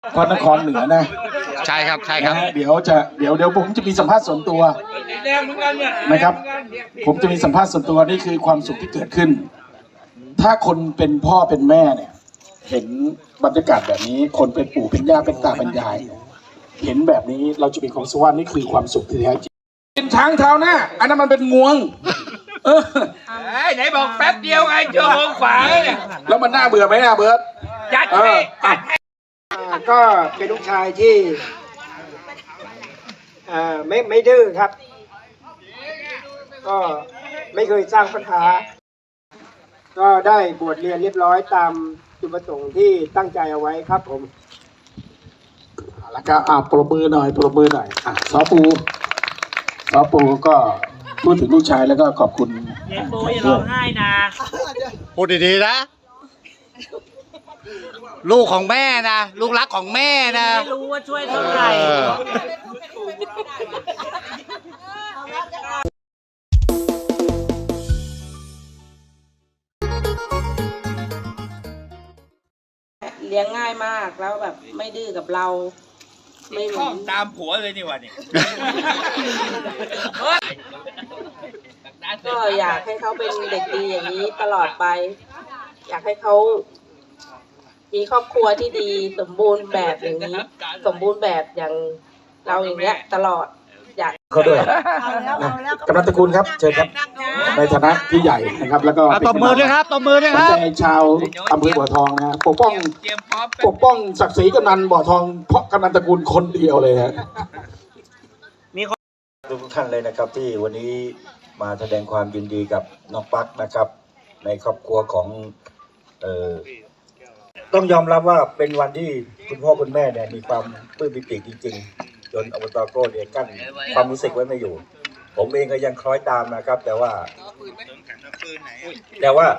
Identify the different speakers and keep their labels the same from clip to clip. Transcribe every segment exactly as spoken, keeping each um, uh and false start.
Speaker 1: พระนครเหนือนะ
Speaker 2: ใช่ครับใช่ครับ
Speaker 1: เดี๋ยวจะเดี๋ยวเดี๋ยวผมจะมีสัมภาษณ์ส่วนตัวนะครับผมจะมีสัมภาษณ์ส่วนตัวนี่คือความสุขที่เกิดขึ้นถ้าคนเป็นพ่อเป็นแม่เนี่ยเห็นบรรยากาศแบบนี้คนเป็นปู่เป็นย่าเป็นตาเป็นยายเห็นแบบนี้เราจะมีความสุขว่านี่คือความสุขที่แท้จริงเป็นช้างเท้าหน้าอันนั้นมันเป็นงวงเออ
Speaker 3: ไหนบอกแป๊บเดียวไงชั่วโมงขวาเนี่ย
Speaker 1: แล้วมันน่าเบื่อไหมน่าเบื่อ
Speaker 3: จัดให้จัดให้
Speaker 4: ก็เป็นลูกชายที่ไม่ไม่ดื้อครับก็ไม่เคยสร้างปัญหาก็ได้บวชเรียนเรียบร้อยตามจุดประสงค์ที่ตั้งใจเอาไว้ครับผม
Speaker 1: แล้วก็อ่าปรบมือหน่อยปรบมือหน่อยอ่ะซอปูซอปูก็พูดถึงลูกชายแล้วก็ขอบคุณ
Speaker 3: เย็นโบอย่าร้องไห้นะ
Speaker 2: พูดดีๆนะลูกของแม่นะลูกรักของแม่นะ
Speaker 3: ไม่รู้ว่าช่วยเท่าไหร่
Speaker 5: เลี้ยงง่ายมากแล้วแบบไม่ดื้อกับเรา
Speaker 3: ไม่ข้องตามผัวเลยนี่วะเนี่ย
Speaker 5: ก็อยากให้เขาเป็นเด็กดีอย่างนี้ตลอดไปอยากให้เขามีครอบครัวที่ดีสมบูรณ์แบบอย่างนี้สมบูรณ์แบบอย่างเราอย่างเงี้ยตลอดอยาก
Speaker 1: เขาด้วยกำนันตระกูลครับเชิญครับในฐานะที่ใหญ่นะครับแล้วก็
Speaker 2: ตบมือด้วยครับตบมือด้วยครับ
Speaker 1: ใจชาวอำเภอบ่อทองนะปกป้องปกป้องศักดิ์ศรีกำนันบ่อทองเพราะกำนันตระกูลคนเดียวเลยฮะ
Speaker 6: ทุกท่านเลยนะครับที่วันนี้มาแสดงความยินดีกับน้องปั๊กนะครับในครอบครัวของเอ่อต้องยอมรับว่าเป็นวันที่คุณพ่อคุณแม่เนี่ยมีความปลื้มปิติจริงๆจนอบต.โก้เนี่ยกั้นความรู้สึกไว้ไม่อยู่ผมเองก็ยังคล้อยตามนะครับแต่ว่าแต่ว่า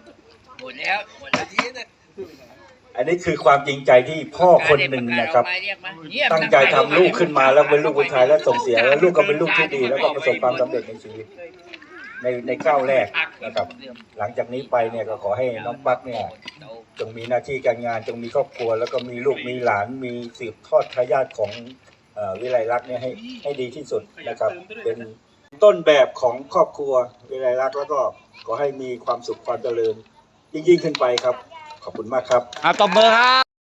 Speaker 6: อันนี้คือความจริงใจที่พ่อคนหนึ่งนะครับตั้งใจทำลูกขึ้นมาแล้วเป็นลูกผู้ชายแล้วส่งเสียแล้วลูกก็เป็นลูกที่ดีแล้วก็ประสบความสำเร็จในชีวิตในในก้าวแรกนะครับหลังจากนี้ไปเนี่ยก็ขอให้น้องปั๊กเนี่ยจงมีหน้าที่การงานจงมีครอบครัวแล้วก็มีลูกมีหลานมีสืบทอดทายาทของวิไลลักษณ์เนี่ยให้ให้ดีที่สุดนะครับเป็นต้นแบบของครอบครัววิไลลักษณ์แล้วก็ขอให้มีความสุขความเจริญยิ่งยิ่งขึ้นไปครับขอบคุณมากครับ
Speaker 2: ตบมือครับ